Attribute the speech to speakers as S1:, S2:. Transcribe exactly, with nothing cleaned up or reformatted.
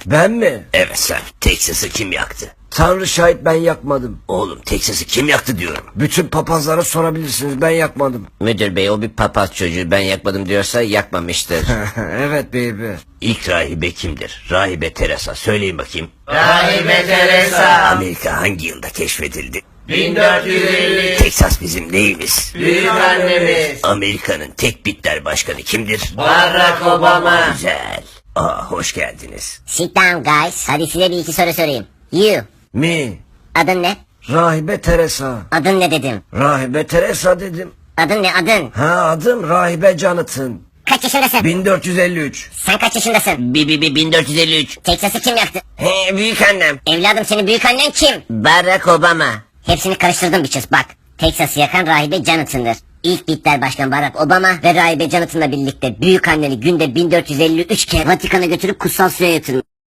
S1: Ben mi?
S2: Evet sen. Texas'ı kim yaktı?
S1: Tanrı şahit, ben yakmadım.
S2: Oğlum Texas'ı kim yaktı diyorum.
S1: Bütün papazlara sorabilirsiniz, ben yakmadım.
S2: Müdür bey, o bir papaz çocuğu, ben yakmadım diyorsa yakmamıştır.
S1: Evet baby.
S2: İlk rahibe kimdir? Rahibe Teresa. Söyleyin bakayım.
S3: Rahibe Teresa.
S2: Amerika hangi yılda keşfedildi?
S3: bin dört yüz elli.
S2: Texas bizim neyimiz?
S3: Büyük annemiz.
S2: Amerika'nın tek bitter başkanı kimdir?
S3: Barack Obama.
S2: Güzel. Aa, hoş geldiniz.
S4: Sit down guys. Hadi size bir iki soru sorayım. You.
S1: Mi?
S4: Adın ne?
S1: Rahibe Teresa.
S4: Adın ne dedim.
S1: Rahibe Teresa dedim.
S4: Adın ne adın?
S1: Ha, adım Rahibe Jonathan.
S4: Kaç yaşındasın?
S1: bin dört yüz elli üç.
S4: Sen kaç yaşındasın?
S2: Bi bi bi bin dört yüz elli üç.
S4: Texas'ı kim yaktı?
S2: He, büyük annem.
S4: Evladım, senin büyük annen kim?
S2: Barack Obama.
S4: Hepsini karıştırdım biçiz bak. Texas'ı yakan Rahibe Jonathan'dır. İlk Bitler Başkan Barack Obama ve Rahibe Jonathan'la birlikte büyük anneni günde bin dört yüz elli üç kere Vatikan'a götürüp kutsal suya yatırmış.